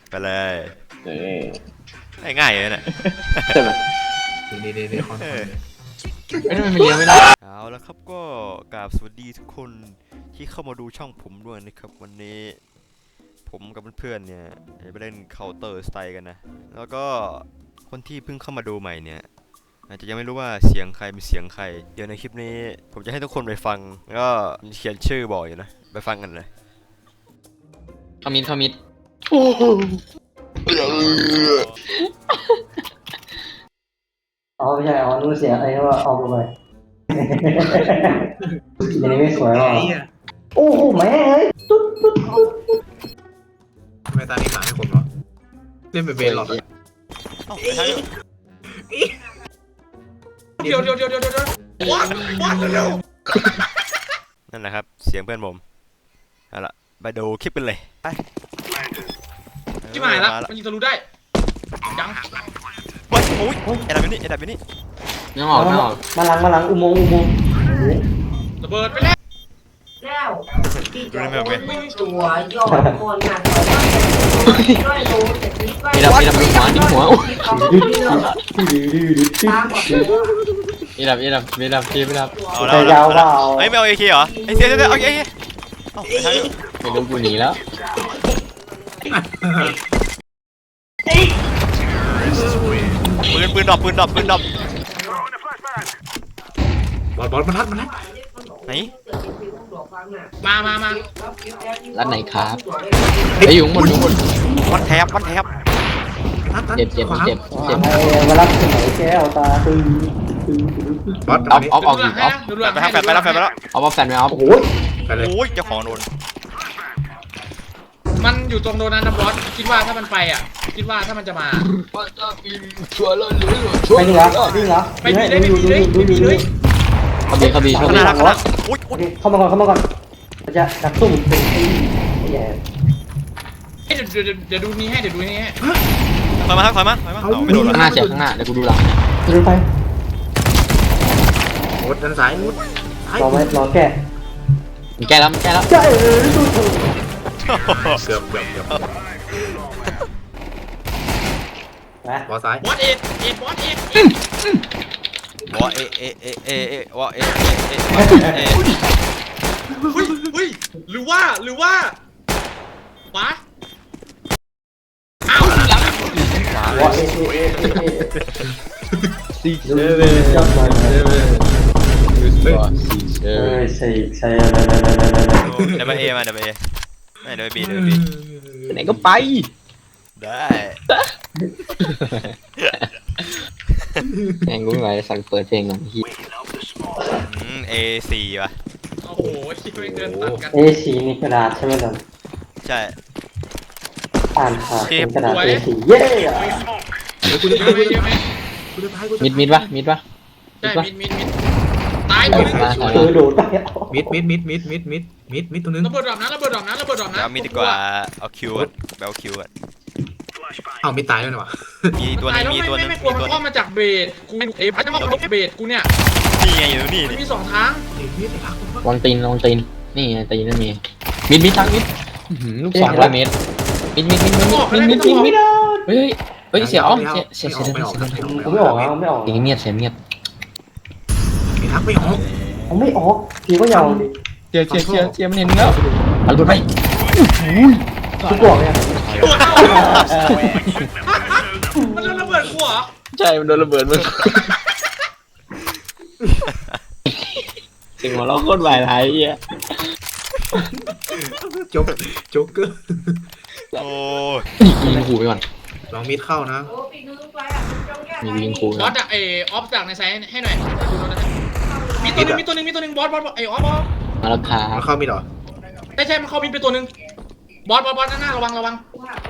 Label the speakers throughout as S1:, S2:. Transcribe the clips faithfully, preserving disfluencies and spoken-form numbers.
S1: ไปเลย
S2: เออ
S1: ง่ายเลยเนี่ย
S2: ใช่ไหม
S3: ดีดีดีคอนเออ
S2: ไม่ทำไมมันเลี้ยวไม่ได้
S1: เอาแล้วครับก็กราบสวัสดีทุกคนที่เข้ามาดูช่องผมด้วยนะครับวันนี้ผมกับเพื่อนๆเนี่ยไปเล่น Counter Strike กันนะแล้วก็คนที่เพิ่งเข้ามาดูใหม่เนี่ยอาจจะยังไม่รู้ว่าเสียงใครเป็นเสียงใครเดี๋ยวในคลิปนี้ผมจะให้ทุกคนไปฟังแล้วก็เขียนชื่อบอกอยู่นะไปฟังกันเลย
S2: คอมมิตคอมมิต
S4: อ๋อไม่ใช่อ๋อนู้นเสียอะไรว่าออกไปอันนี้ไม่สวยหรอโอ้โหแม่เอ้ยตุ๊ดตุ๊ดตุ๊ด
S3: ทำไมตานี้หมาให้คนวะเล่นเป็นเบนหรอเดี๋ยวเดี๋ยวเดี๋ยวเดี๋ยวเดี๋ยววัดวัดเร็ว
S1: นั่นแหละครับเสียงเพื่อนผมเอาละไปดูคลิปกันเลยไป
S3: ที่หมายละมันยิงทะลุได้ยัง
S1: โอ้ยโอ้ยไอ้ดับอยู่นี่ไอ้ดับอยู่นี่
S2: ยังออกยังออก
S4: มาหลังมาหลังอุโมงค์อุโมงค์
S3: ระเบิดไปแล้ว
S5: แล้วที่จะโอนตัวยอดคนหนักร้อยโลจากนี้ไป
S2: มีดับมีดับมีหัวมีหัวมีดับมีดับมีดับมีดับ
S1: เอาแล้วยาวเปล่าไอ้ไม่เอาเอเคเหรอไอ้เสียเสียเอาเอเค
S2: ไม่รู้กูหนีแล้ว
S1: ปืนปืนดรอปปืนดรอปปืนดรอป
S3: บอลบอลมันรัดมันรัด
S1: ไหน
S3: มามามา
S2: ร้านไหนครับไอ้ยุงบนยุงบน
S1: วันแทบวันแทบ
S2: เจ็บเจ็บเจ็บเจ็บ
S4: มารับที่ไหนแก้วตาตึงตึง
S3: บอล
S2: ออฟออฟออกออฟ
S1: ไปแล้วไปแล้วไปแล้ว
S2: ออฟแฟนไหมออฟ
S4: โอ้โห
S3: ไปเลย
S1: โอ้ยเจ้าของโดน
S3: มันอยู่ตรงโดนัทนะบอสคิดว่าถ้ามันไปอ่ะคิดว่าถ้ามันจะมา
S4: ไปนี่เหรอนี่เหรอ
S3: ไปดีเลยไปดีเลยไปดีเลย
S2: เขาบีเขาบีเขาบี
S4: เข้ามาก่อนเข้ามาก่อนจะดักซุ่มเป็นไอ้แย่
S3: เดี๋ยวเดี๋ยวเดี๋ยวดูนี้ให้เดี๋ยวดูนี้ให้
S1: ถอยมาถอยมาถอยมาไม่โดน
S2: ข้างหน้าเสียข้างหน้าเดี๋ยวกูดูหลัง
S4: ดูไป
S3: โอ้ด้านซ้ายมุด
S4: รอไว้รอแก้
S2: แกแล้วแกแล้ว
S4: ใช่เออดูถูก
S3: เกือบเกือบเกือบบอสซ้ายบอสเอ็ดเอ็ดบอสเอ็ด
S1: วอเอเอเอเอเอวอเอเอเอเอ
S3: เฮ้ยเฮ้ยหรือว่าหรือว่าปะอ้าว
S4: วอเอเอเอเอ
S2: สี่เซเว่น
S4: เออใช่ใช่
S1: เดี๋ยวไปเอมาเดี๋ยวไปเอไม่เดี๋ยวไปบีเดี๋ยวไปบี
S2: ไหนก็ไป
S1: ได้
S2: แองกูไม่ไหวสั่งเปิดเพลงหน่อยพี่
S1: เอสี่ป่ะ
S3: โอ้โหคิดไปเดินตัดกัน
S4: เอสี่นี่กระดาษใช่ไหมล่ะ
S1: ใช่
S4: อ่านค่ะเป็นกระดาษเอสี่เย้
S2: มิดมิดปะมิดปะ
S3: ใช่มิดมิดมิดตายตัวนึง
S4: เออโดดไป
S3: มิดมิดมิดมิดมิดมิดมิดมิดตัวนึงระเบิดดอกนะระเบิดดอกนะระเบิดดอกนะ
S1: เอามิดดีกว่าเอาคิวก่อนเอาคิวก่อน
S3: เอามิดตายแล้วเนี่ยวะ
S1: มีตัวนึงมีตัวนึง
S3: มีตัวนึงมาจากเบสกูเอ๋พัดจะมาลบเบสกูเนี่ย
S1: นี่ไงอยู่นี่
S3: มีสองทาง
S2: วางตีนวางตีนนี่ตีนนั่นมีมิดมิดทั้งมิดลูกสองร้อยเมตรมิดมิดมิดมิดมิดมิดมิดมิดเฮ้ยเฮ้ยเสียอ๋อเสียเสียเสีย
S4: ไม่ออกไม่ออกไม่ออก
S2: เสียเงียบเสียเงียบ
S3: ไม่ทักไม่ออก
S4: เขาไม่ออกพี่ก็ยาวดิ
S2: เสียเสียเสียเสียมันเห็นแล้วเอาไปไป
S4: ทุกตัวเนี่ย
S3: มันโดนระเบิดกูเหรอ
S2: ใช่มันโดนระเบิดมึงเสียงหัวเราะโคตรหวายไรอ่ะ
S3: โจ๊กโจ๊กเกอร์
S1: โอ้
S2: ยิงขู่ไปก่อน
S3: ลองมิดเข้านะ
S2: มียิงขู่
S3: บอสอะเอออฟจากในไซน์ให้หน่อยมีตัวนึงมีตัวนึงมีตัวนึงบอสบอสไอออฟบอส
S2: มาแล้วค่ะ
S3: มันเข้ามิดหรอไม่ใช่มันเข้ามิดไปตัวนึงบอสบอสบอสหน้าระวังระวัง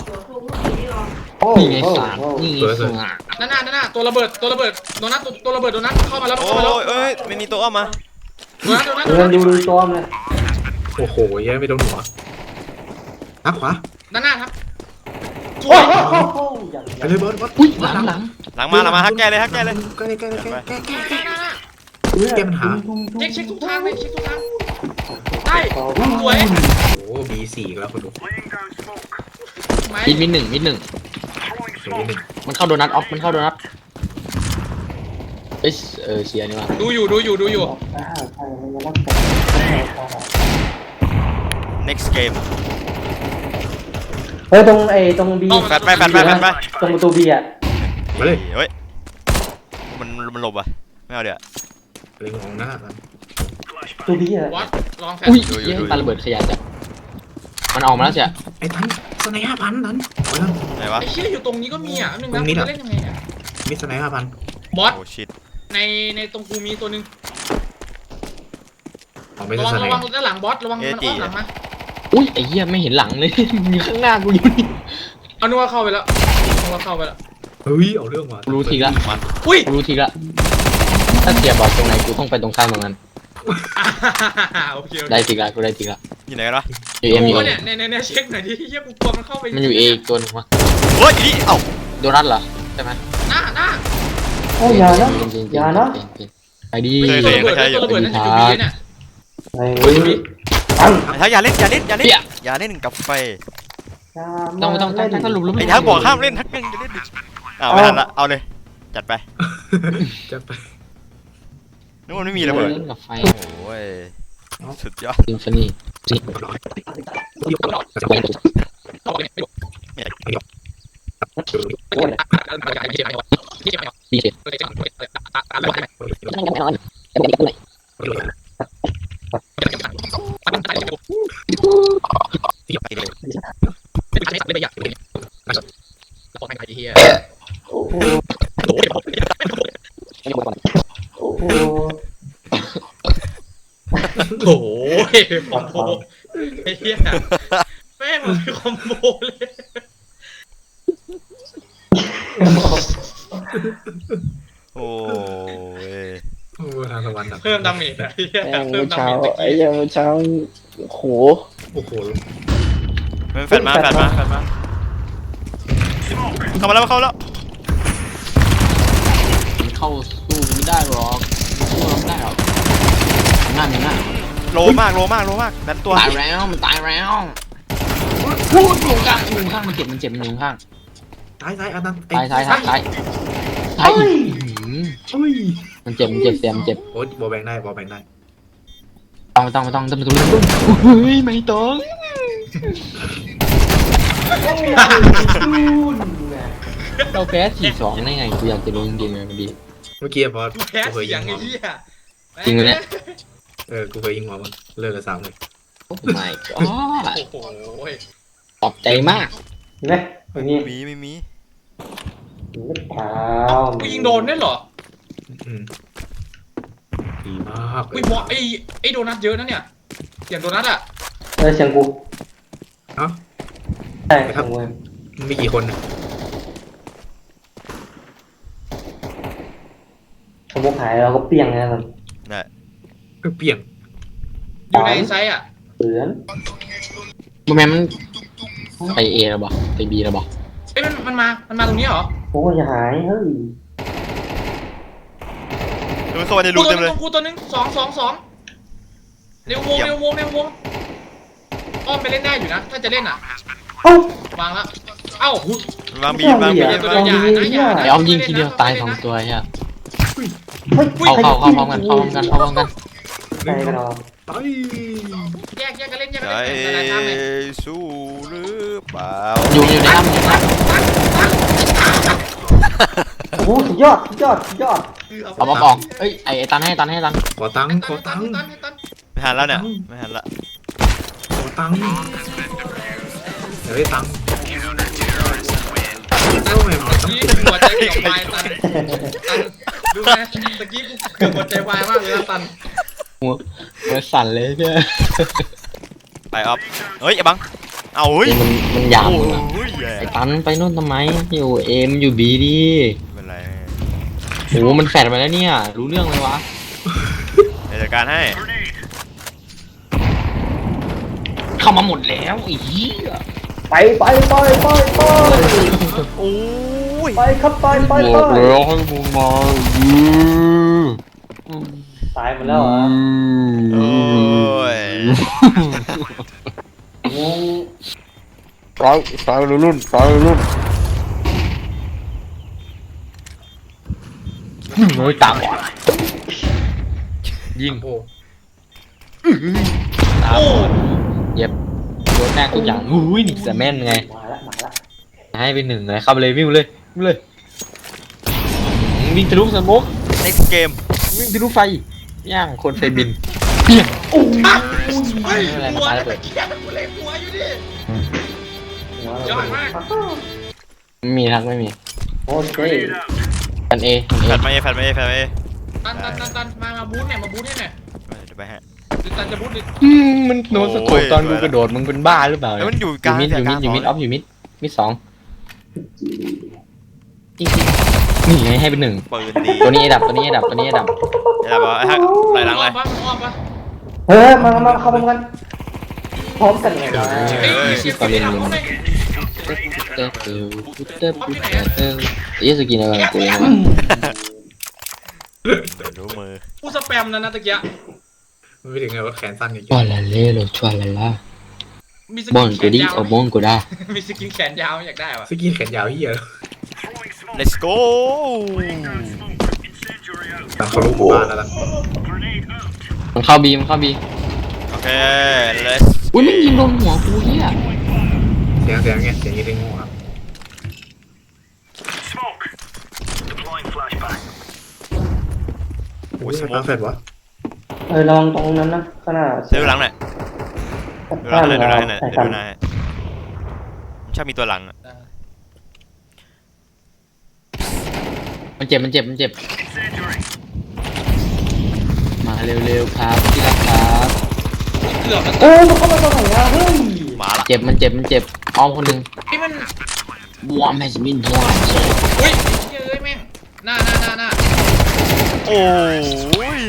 S2: นี่ไงสามนี่ไงสาม
S3: หน้าหน้าหน้าตัวระเบิดตัวระเบิดโดนัทตัวระเบิดโดนัทเข้ามาแล้วเข้ามาแล้ว
S1: เอ้ยไม่มีตัวอ้อมมา
S3: โดนัทโดนัท
S4: เดินดูดูตัวมัน
S3: โอ้โหยังไม่โดนหัวนักขวาหน้าหน้าครับ
S4: โอ้โห
S3: ไปเลยบอสบอส
S2: อุ้ยหลังหลัง
S1: หลังมาหลังมาฮักแกเลยฮักแกเลย
S3: แกเลยแกเลยแกแกแกแกแกปัญหาเช็คเช็คทุกทางเลยเช็คทุกทางได้สวยโอ้บีสี่แล้วคนดูไหม
S2: มิดมิดหนึ่งมิดหนึ่ง
S6: สวยหนึ่ง
S2: มันเข้าโดนัทออฟมันเข้าโดนัทเอ้ยเออเชียร์นี่ว่ะ
S3: ดูอยู่ดูอยู่ดูอยู่
S4: อ่าใช่มันยังรักแต่
S1: next game
S4: เฮ้ยตรงไอ้ตรงบี
S1: แฟดไปแฟดไปแฟดไป
S4: ตรงประตูบีอ่ะ
S6: มาเลย
S1: เฮ้ยมันมันหลบอ่ะไม่เอาเดี๋ยว
S6: เล็งมองหน้ากัน
S4: ประตูบีอ่ะ
S3: วัดลองแฟน
S2: อุ้ย
S1: ดูอยู่
S2: เย้
S1: ดูอยู่
S2: ปาระเบิดขยะจ้ะมันออกมาแล้วจ้ะ
S6: ไอ้ทันสไนห้าพันทันเอาละ
S1: ไหนวะ
S3: ไอ้เชี่ยอยู่ตรงนี้ก็มีอ่ะนึง
S6: ตร
S3: นะ
S6: งนี้
S3: กู
S6: เหรอ
S3: จะเล่นยังไงเนี่ย
S6: มิดสไนห้าพัน
S3: บอส
S1: โอ้ชิต
S3: ในในตรงกูมีตัวหนึง
S6: เอาไม่
S3: ระ
S6: ใช่
S3: วัง
S6: สไน
S3: ระวังด้านหลังบอสระวังมันอ้อมหลังมา
S2: อุ้ยไอ้เหี้ยไม่เห็นหลังเลย มีข้างหน้ากูอยู่นี่
S3: เอานึกว่าเข้าไปแล้วนึกว่าเข้าไปแล้ว
S6: เฮ้ยเอาเรื่องว่ะ
S2: รู้ทีละ
S3: อุ้ย
S2: กูรู้ทีละถ้าเสียบอลตรงไหนกูต้องไปตรงข้ามตรงนั้น
S3: โอเคโอเค
S2: ได้ทีละกูได้ทีละ
S1: อยู่ไหนกันวะ
S2: อยู่เอ็มอยู่
S3: กู
S2: เอ
S3: เนี่ยในในในเช็คหน่อยดิเฮียกูกลัวมันเข้าไป
S2: มันอยู่เออีกตัวหนึงวะ
S1: เฮ้ยอยู่นี่เอ้า
S2: โดนัทเหรอใช่ไหม
S3: หน้าหน้า
S4: โอ้ยอย่านะ
S2: จริงๆจริงๆ
S4: อย่านะ
S2: จริงๆไปดี
S3: ตัวระเบิดตัวระเบิดนั่นอยู่บีเนี่ย
S4: ไอ้ตั้ง
S1: ไอ้ทักอย่าเล่นอย่าเล่นอย่าเล่น
S2: เปี้ย
S1: อย่าเล่นกับไฟ
S2: ต้องไม่ต้องตั้งตั้งสรุปแล้ว
S1: ไอ้ทักบอกห้ามเล่นทักยังจะเล่นดิอ้าวไม่ทันละเอาเลยจัดไป
S6: จะไป
S1: นึกว่าไม่มีระเบิด
S2: เล่นกับไฟ
S1: โอ้ยสุดยอด
S2: ซิมโฟนีซิม ดีเจ
S4: โอ้โหโอ้โห
S3: โอ้โหคอมโบไอ้เหี้ยแม่งมันเป็นคอมโบเลย
S1: โอ้ย
S6: โอ้ทางตะวันดับ
S3: เพิ่มดาเมจไอ้เหี้ย
S2: แม่ง
S3: เพิ่
S2: เมื่
S3: ม
S2: อ
S3: ดา
S2: เช้า
S3: เมจตะ
S2: ไอ้
S3: กี้
S2: เหี้ยังเมื่อเช้าโห
S6: โอ้โห
S1: มันแฟดมาแฟดมาแฟดมาเข้ามาแล้วเข้ามาแล้ว
S2: มันเข้าสู้ไม่ได้หรอกสู้เราไม่ได้หรอกหน้าหน้า
S1: โลมากโลมากโลมากดันตัว
S2: ตายแล้วมันตายแล้วพูดอยู่ข้างอยู่ข้างมันเจ็บมันเจ็บมันอยู่ข้าง
S6: ซ้ายซ้ายอันนั้น
S2: ตายตายตายตายตาย
S6: เฮ้ย
S2: มันเจ็บมันเจ็บเสียมันเจ็บ
S6: โอ้ยบอลแบงได้บอลแบงได้
S2: ต้องไม่ต้องไม่ต้องต้องไม่ต้องเฮ้ยไม่ต้องเราแพ้สี่สองได้ไงกูอยากจะรู้จริงๆเลยมันดี
S6: เมื่อกี้พอ
S3: กูแพ้
S6: กูเคย
S3: เสี
S6: ยิ
S3: ยง
S6: งหั
S3: ไอ้
S6: ว
S3: เหี้ย
S2: จริงไหมเนี่ย
S6: เออกูเคยยิงหัวมันเลิกกับสามเลย
S2: โอ้ my god
S3: โอ้โห
S2: ตอบใจมาก
S4: เห็นไหมอย่างนี้
S1: มีไม่มี
S4: ไม่เปล่า
S3: กูยิงโดนได้เหรอ
S6: อืมดีมาก
S3: อุ้ยบอสไอ้ไอ้โดนัทเยอะนะเนี่ยเสียงโดนัทอ่ะ
S4: เออเสียงกู
S6: เอ้า
S4: ใช่เสียงกู
S6: มันมีกี่คนเนี่ย
S4: สมมติหายเราก็เปรี้ยงนะมัน
S1: น่ะ
S6: ก็เปลี่ยน
S3: อยู่ในไซส์อ่ะ
S4: เสือน
S2: มันแม่มันไปเอแล้วบอกไปบีแล้วบอก
S3: เอ้ยมันมันมา มันมาตรงนี้เหรอ
S4: โอ้ยอย่าหายเฮ้ย
S1: ดูเข้ามาใน
S3: กู
S1: รู
S3: ตัว
S1: เต็ม
S3: นึ
S1: เลย
S3: งกูตัวนึงสองสองสองเร็ววง
S1: เยี่ยม
S3: เร็ววงเร็ววงอ้อมไปเล่นได้อยู่นะ ถ้าจะเล่นอ่ะ
S4: เอ้าว
S3: างแล้ว เอ้า
S1: วางบีวางบี
S3: ตัวเดียวอย่านะอย่า
S2: ไอ้ออมยิงทีเดียวตายสองตัวใช่ไหม
S4: เฮ้ย
S2: เข้าเข้าเข้าพร้อมกันเข้าพร้อมกันเข้าพร้อมกัน
S4: ใช่กันเรา
S6: ไป
S3: แยกแยกกันเล่นแยก
S1: ใจ
S3: กันเล่นแต่ละทางเลย
S1: สู้หรือเปล่า
S2: อยู่อยู่ในน้ำอยู่ในน้
S4: โอ้โหสุดยอดสุดยอดสุดยอด
S2: ำเอามาบอกเอ้ยไอ้ไอ้ตันให้ตันให้ตัน
S6: ขอตังค์ขอตังค์
S3: ตันตัน
S1: ไม่หันแล้วเนี่ยไม่หันละ
S6: ขอตังค์เดี๋ยวได้ตังค์โอ้ยมัน
S3: ตะกี้หัวใจเกือบวายตันตันดูไหมตะกี้กูเกือบหัวใจวายมากเลยนะตัน
S2: หัวหัวสั่นเลยเนี่ย
S1: ไปออฟเฮ้ยไอ้บังเอาเฮ้ย
S2: มันมันหยาบ
S1: โอ้
S2: หมดอะ
S1: ยแย่
S2: ไอ้ตันไปนู่นทำไมอยู่เอ็มอยู่บีดี
S1: ไม่เป็นไร
S2: โหมันแฟดมาแล้วเนี่ยรู้เรื่องเลยวะ
S1: เดี๋ยวจัดการให้
S2: เข้ามาหมดแล้วไอ้เหี้ย
S4: ไปไปไปไปไป
S1: โอ้ย
S4: ไปครับไปไป
S2: บ
S4: ไป
S2: อกแล้วให้มึงมาอือ
S4: ตายหมดแล้วเหรอ
S1: โอ้ย
S4: งง
S1: ค
S2: ซ้ายซ้ายรุ่นซ้ายรุ่นโอ้ยตามยิง
S3: โอ้
S2: ตามเย็บโดนแน่ทุกอย่างอุ้ยนี่แต่แม่นไง
S4: มาละมาละ
S2: ให้ไปหนึ่งเลยเข้าไปเลยวิ่งเลยวิ่งเลยวิ่งทะลุสมก
S1: next game
S2: วิ่งทะลุไฟย่างคนไฟบินเปี้ยง
S3: เฮ้ย
S2: อะไร
S3: หัว
S2: มา
S3: เลย
S2: เปิด
S3: เกียร์หัวเลยหัวอยู่ดิ
S4: หัวย
S3: อดมาก
S2: ไม่มีทักไม่มี
S4: โอเค
S2: กันเอกันเอ
S1: แฟดมาเอแฟดมาเอแฟดมาเอ
S3: ตันตันตันตันมามาบูทเนี่ยมาบูทให้หน่อย
S1: เดี๋ยวไปฮะ
S3: หรือตันจะบูทดิ
S2: อืมมันโดนสะกดตอนกูกระโดดมึงเป็นบ้าหรือเปล่า
S1: แล้วมันอยู่
S2: อก
S1: ลาง
S2: ยู่มิดอยู่มิดอยู่มิดออฟอยู่มิดมิดสองจริงๆนี่ไงให้เป็นหนึ่ง
S1: ปืนดี
S2: ตัวนี้ไอ้ดับตัวนี้ไอ้ดับตัวนี้ไอ้ดับ
S1: เดี๋ยวบอกไอ้ฮักไหลหลัง
S3: อ้
S1: เล
S3: อย มปะอ้อมปะ
S4: เฮ้ยมามาเข้ามากันพร้อมกันเลยนะ
S3: เฮ้ย
S2: มี
S3: เก็
S2: ชี
S3: บ
S2: พต่อเรียน
S3: เก็บ
S2: มึง
S3: เอาไป
S2: เต้เต้เต้เต้เต้เยสกินอะไรกูเองวะ
S1: เดี๋ยวรู้มือ
S3: กูสแปมแล้วนะตะเกีย
S6: ไม่ถึงไงว่าแขนสั้นอีก
S2: ชวลาเล่โลชวลาล่า
S3: มีส
S2: บอ
S3: กิ
S2: ล
S3: นแข
S2: กู
S3: น
S2: ดิ
S3: ยาว
S2: เอาบอลกูได้
S3: มีสกินแขนยาวอยากได้วะ
S6: สกินแขนยาวเฮีย
S1: let's go
S6: ตามเขารู้หมู่บ้านแล้วล่ะ
S2: มันเข้าบีมันเข้าบี
S1: โอเค let's
S2: อุ้ยไม่ยิงโดนหัวกูเฮีย
S6: เสียงเสียงไงเสียงยี่ห้อครับโอ้ยสมองเสร็จวะ
S4: เออระวังตรงนั้นนะขนาด
S1: เดี๋ยวดูหลังหน่อยดูหลังหน่อยดูหลังหน่อย
S4: ใส่
S1: เดี๋ยว
S4: กัน
S1: ดูหน้าให้ชอบมีตัวหลังอะ
S2: มันเจ็บมันเจ็บมันเจ็บมาเร็วๆครับที่รักครับ
S3: เกือบมัน
S4: โอ้มันเข้ามาตรงไหนอะเฮ้ย
S1: มาละ
S2: เจ็บมันเจ็บมันเจ็บอ้อมคนหนึ่ง
S3: ที่มัน
S2: วอร์มแฮชมินวอร์ม
S3: อุ้ยเฮ้ยแม่งหน้าหน้าหน้าหน้า
S1: โอ้ย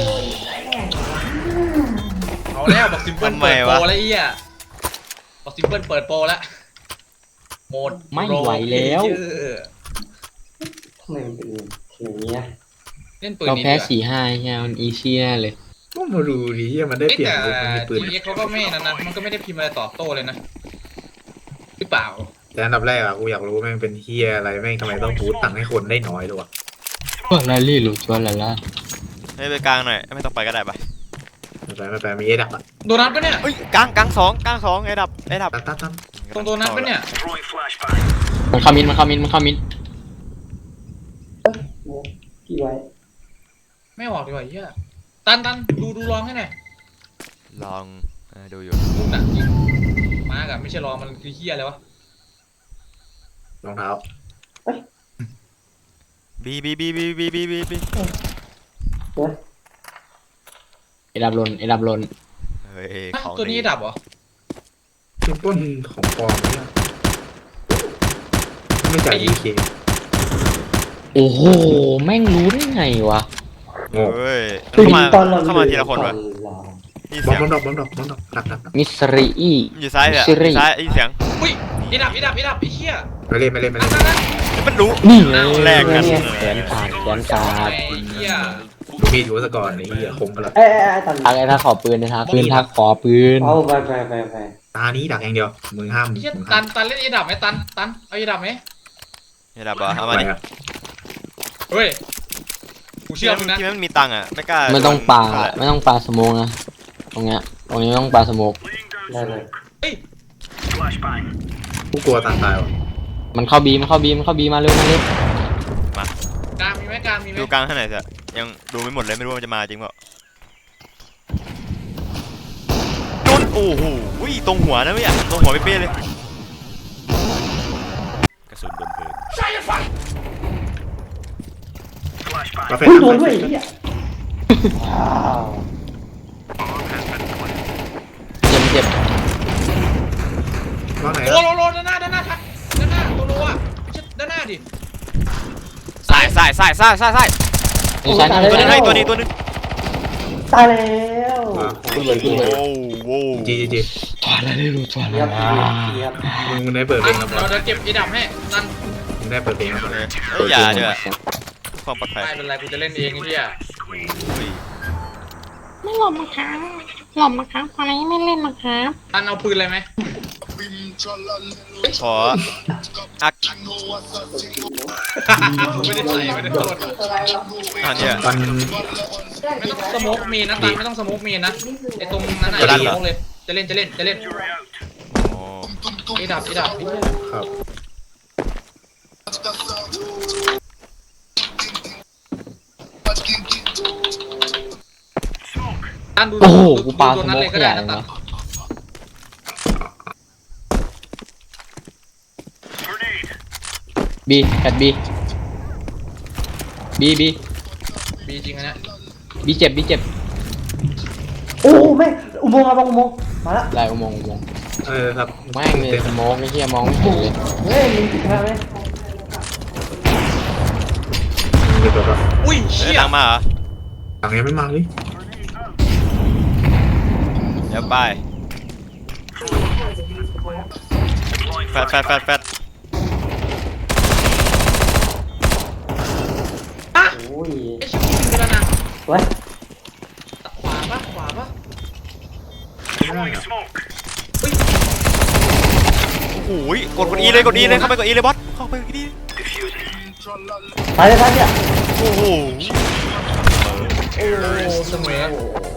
S3: เอาแล้วบอกซิมเปิล
S1: ทำไม
S3: เปิดโปร
S1: วะ
S3: แล้วไอ้เหี้ยบอกซิมเปิลเปิดโปรแล้วโหมด
S2: ไม่ไหวแล้ว
S3: เออ
S4: ทำไมมันเป็นอย่างนี้อะ
S3: เล่นปืน
S2: เรา
S3: นี้
S2: แพ้
S3: ดีกว่า
S2: สี่ห้าเฮียมันอีซี่แน่เลย
S6: ก็มาดูดิเฮียมันได้
S3: เอ้ย
S6: เปลี่ยน
S3: แต่
S6: มันมีปืน
S3: จีเอ็กเขาก็ไม่นั่นนะมันก็ไม่ได้พิมพ์อะไรตอบโต้เลยนะหรือเปล่า
S6: แต่อันดับแรกอะกูอยากรู้แม่งเป็นเฮียอะไรแม่งทำไมต้องบูตตังค์ให้คนได้น้อยด้วยวะ
S2: ชวลาเล่โลชวลาล่า
S1: ให้ไปกลางหน่อยไม่ต้องไปก็ได้ปะ
S6: ไม่แปลไม่แปลมีเอดับอะ
S3: โดนัทปะเนี่ย
S1: เอ้ยกลางกลางสองกลางสองไอ้ดับไอ้ดับ
S6: ตั้มตั้มตั้ม
S3: ตรงโดนัทปะเนี่ย
S2: มันเข้ามินมันเข้ามินมันเข้ามิน
S4: โอ้กี่ไว้
S3: ไม่ออกดีกว่าเหี้ยตันตันดูดูลองให้หน่อย
S1: ลองเออดูอยู่
S3: ดูหนักจริงมากับไม่ใช่ลองมันคือเหี้ยอะไรวะ
S6: รองเท้า
S1: บีบีบีบีบีบีบีบี
S2: ไอ้ดับลนไอ้ดับลน
S1: เฮ้ย
S3: ฮะ
S1: ของ
S3: ตัวนี้ดับเหรอ
S6: เป็นต้นของปลอมเนี่ยไม่จ่ายดีเค
S2: โอ้โหแม่งรู้ได้ไงวะ
S6: โง่
S1: เฮ้ย
S4: คือ
S1: เข้ามา
S4: ตอนเรา
S1: เข้ามาทีละคนวะ
S4: ตอเรา
S1: นี่
S6: บอ
S1: เสี
S6: ม
S1: ยง
S6: บอมดอกบอมดอกบอมดอกดักดักดัก
S2: มิสรีอี
S1: อยู่ซ้ายเลยอะ
S2: ซิริ
S1: ซ้ายไอ้เสียง
S3: อุ้ยไอ้ดับไอ้ดับไอ้ดับไอ้เหี้ย
S6: ไม่เล่นไม่เล่นไม่
S3: ตั
S6: เล่
S3: น
S6: น
S3: ตันตัน
S1: มันรู้
S2: นี่ไง
S1: แลกกัน
S2: แขนขาดแขนขาด
S3: ไอ้เหี้ย
S6: ดูมีดอยู่ซะก่อนไอ้เหี้ยคมไปละ
S4: เอ้ยเอ้ยเอ้ยตอน
S2: ทักไอ้ทักขอปืนนะทักปืนทักขอปืน
S4: เอาไปไปไปไป
S6: ตานี้ดักอย่างเดียวมือห้าม
S3: ไอ้เหี้ย
S6: มือ
S3: ตั
S6: ห้าม
S3: นตันเล่นไอ้ดับไหมตันตันเอาไอ้ดับไหม
S1: ไอ้ดับเหรอเอา
S6: ไป
S1: มาดิ
S6: อะ
S3: เฮ้ยกูเชื่อมึงนะ
S1: ที่มันมีตังค์อะไม่กล้า
S2: ไม่ต้องปา
S1: โดน
S2: ไม่ต้องปาสโมกนะตรงเนี้ยตรงนี้ไม่ต้องปาสโมก
S4: ได้เลย
S3: เฮ้ย
S6: กูกลัวตาตายวะ
S2: มันเข้าบีมันเข้าบีมันเข้าบีมาเร็วมาเร็ว
S3: กลางมีไหมกลางมีไหม
S1: ดูกลางเท่าไหร่สิยังดูไม่หมดเลยไม่รู้ว่ามันจะมาจริงเปล่าโดนโอ้โหอุ้ยตรงหัวนะไม่อยากตรงหัวเป๊ะๆเลยกระสุนโดนเพลิง
S6: มาแฟน
S4: อุ้ย
S6: ทำ
S4: โดน
S6: ไม
S4: ด้วยไอ้เหี้ยว้าว
S2: เจ็บเจ็บ
S6: ว่าไหน
S3: โอ้
S6: อะ
S3: โหโลโลด้านหน้าด้านหน้าทักด้านหน้าตัวโลอ่ะไม่ใช่ด้านหน้าดิ
S1: ซ้ายซ้ายซ้ายซ้ายซ้ายซ้าย
S2: นี่ใช้นี่
S1: ตัวหนึง
S2: ใช้
S1: ให้ตัวนี้ตัวหนึง
S4: ตายแล้ว
S2: ขึ้นเลยขึ้นเลย
S1: โอ้โห
S6: จีจีจี
S2: ถอดอะไรรู้ถอด
S4: เยียบ
S2: อะไร
S4: เยียบ
S6: มึงมึงได้เปิดเพล
S3: ตั
S6: ง
S3: น
S6: แล้วปะ
S3: เดี๋ยวเดี๋ยวเก็บไอ้ดับให้ตัน
S6: มึงได้เปิดเพลงแล้ว
S1: โอ
S6: ปะ
S1: เคเอ้ยอย่าเดี๋ยวความปลอดภัย
S3: ไม่เป็นไรกูจะเล่นเองไอ้เหี้ย
S1: อุ้ย
S7: ไม่หลบนะครับหลบนะครับตอนนี้ไม่เล่นนะครับ
S3: ตันเอาปืนอะไรไหม
S1: ขออัก
S3: ไม่ได้ใส่ไม่ได้โทษ
S1: อันเนี้ย
S6: ตอน
S3: ไม่ต้องสโมกเมนนะตันไม่ต้องสโมกเมนนะไอตรงนั้นน่ะ
S1: จะ
S3: อย่า
S1: ลั่นเหรอ
S3: สโมกเลยจะเล่นจะเล่นจะเล่น
S1: อ๋อ
S3: ไอดับไอดับ
S6: ครับ
S3: ตันดู
S2: โอ้โห
S3: ดู
S2: กูปา
S3: ดู
S2: ส
S3: ตัวนั้น
S2: โม
S3: เล
S2: ก
S3: ย
S2: ข
S3: ก็ได้
S2: ยะเล
S3: นะ
S2: ย
S3: ตัน
S2: วะบีแปดบีบีบี
S3: บีจริงอันเนี้ย
S2: บีเจ็บบีเจ็บ
S4: โอ้แม่งอุโมงค์มาอุโมงค์มาแล้ว
S2: ลายอุโมงค์อุโมงค์
S6: เออครับ
S2: แม่งเลยสโมกไอ้เหี้ยมองไม่เห็นเลย
S4: เฮ้ยมีผิดพลาดไหม
S6: เดี๋ยวก่อน
S3: อุ้ย
S1: เอ้ย
S3: เชี่ย
S1: ตังมาเหรอ
S6: หลังยังไม่มาเลย
S1: เดี๋ยวไปแฟดแฟดแฟดแฟด
S4: โอ้ย
S3: ไอชิคกี้พายไปแล้วนะ
S4: เว้ย
S3: ขวาปะขวาปะ
S6: ไม่ได้อะ
S1: โอ้ยกดกดอีเลยกดอีเลยเข้าไปกดอีเลยบอสเข้าไปกดอี
S4: ตายเลยตายเนี่ย
S1: โอ้โห
S3: โอ้สมัย